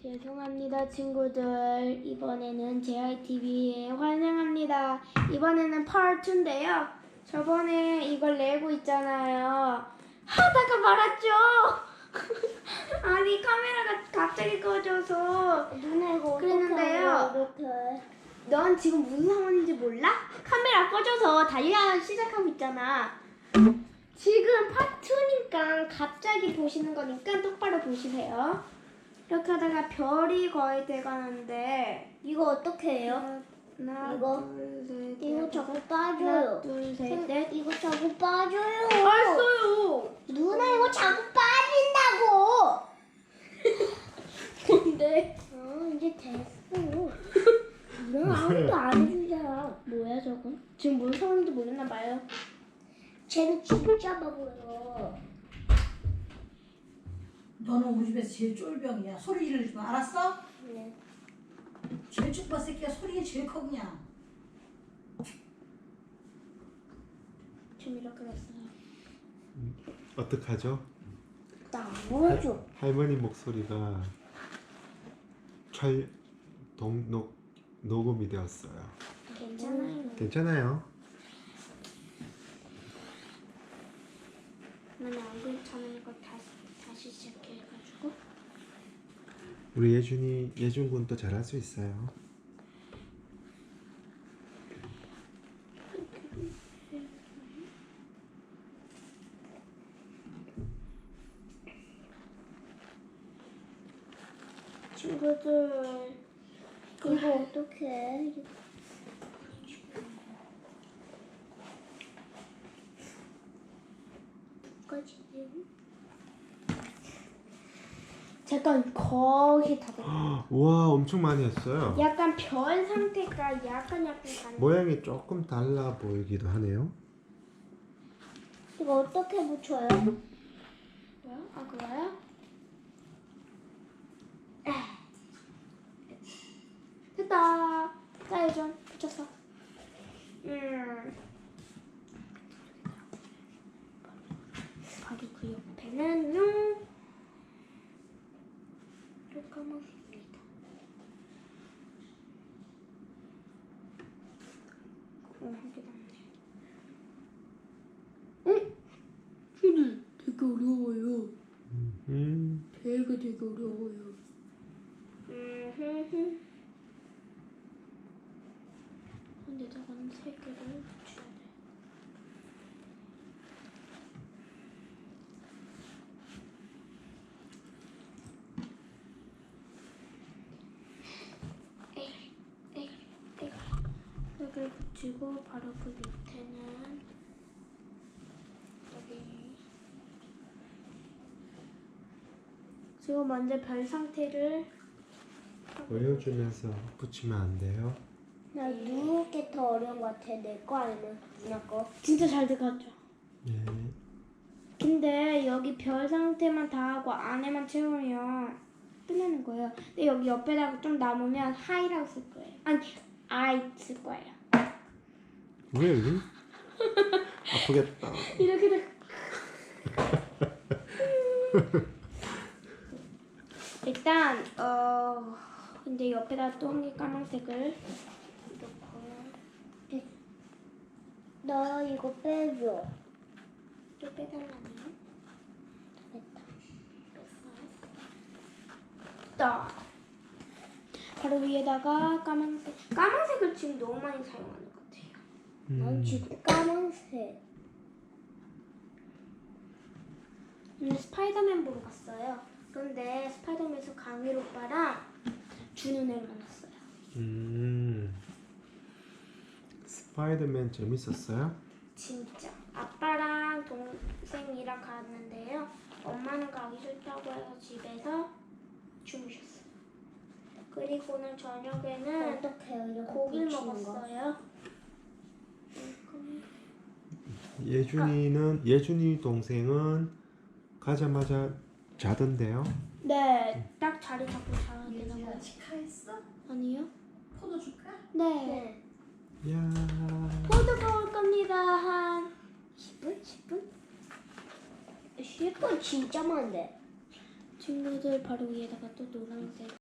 죄송합니다 친구들. 이번에는 JITV에 환영합니다. 이번에는 파트 2인데요. 저번에 이걸 내고 있잖아요. 하다가 말았죠. 아니 카메라가 갑자기 꺼져서 누나 이거 그랬는데요. 이렇게 넌 지금 무슨 상황인지 몰라? 카메라 꺼져서 달려 시작하고 있잖아. 지금 파트 2니까 갑자기 보시는 거니까 똑바로 보시세요. 이렇게 하다가 별이 거의 돼가는데 이거 어떻게 해요? 하나, 이거? 둘, 셋, 이거 넷. 자꾸 하나, 빠져요. 둘, 셋, 넷. 이거 자꾸 빠져요. 알았어요. 누나 이거 자꾸 빠진다고. 뭔데? 이제 됐어. 너 아무도 안 해주잖아. 뭐야 저건? 지금 뭔 상황인지 모르나 봐요. 쟤는 진짜 바보예요. 너는 우리 집에서 제일 쫄병이야. 소리 지르지 마. 알았어? 네. 제일 쭈빠 새끼가 소리가 제일 커 그냥. 지금 이렇게 됐어요. 어떡하죠? 나 뭐죠? 할머니 목소리가 녹음이 되었어요. 괜찮아요. 괜찮아요. 나는 안 괜찮은 거 다시 시작해가지고. 우리 예준 군도 잘할 수 있어요. 친구들 이거 어떻게 해? 까지 잠깐 거의 다 됐어. 우와 엄청 많이 했어요. 약간 별 상태가 약간 다른. 모양이 조금 달라 보이기도 하네요. 이거 어떻게 붙여요? 뭐야? 아 그거야? 됐다. 자 예전 붙였어. 바로 그 옆에는요. 또 까먹습니다. 한 개 남네. 응? 되게 어려워요. 배가 되게 어려워요. 근데 저건 세 개를 붙여야 돼. 여기를 붙이고 바로 그 밑에는 여기. 지금 먼저 별 상태를 보여주면서 붙이면 안 돼요. 나 누구 게 더 어려운 것 같아? 내 거 아니면 누나 거? 진짜 잘 돼가죠. 예. 근데 여기 별 상태만 다 하고 안에만 채우면 끝나는 거예요. 근데 여기 옆에다가 좀 남으면 하이라고 쓸 거예요. 아니 아이 쓸 거예요. 왜 여기? 아프겠다. 이렇게 돼. 일단 근데 옆에다 또 한 개 까만색을 넣고 나 이거 빼줘. 또 빼달라네요. 됐다. 바로 위에다가 까만색을 지금 너무 많이 사용하는 것 같아요. 난 지금 까만색. 스파이더맨 보러 갔어요. 그런데 스파이더맨에서 강일 오빠랑 준우네를 만났어요. 스파이더맨 재밌었어요? 진짜. 아빠랑 동생이랑 갔는데요. 엄마는 가기 싫다고 해서 집에서 주무셨어요. 그리고 오늘 저녁에는 어떻게 해요? 이렇게 고기를 붙이는 거? 먹었어요. 예준이 동생은 가자마자 자던데요? 네, 딱 자리 잡고 자야 되나 봐요. 치카했어? 아니요? 포도 줄까? 네. 네. 야. 포도가 올 겁니다. 한 10분? 10분? 10분 진짜 많은데. 친구들 바로 위에다가 또 노란색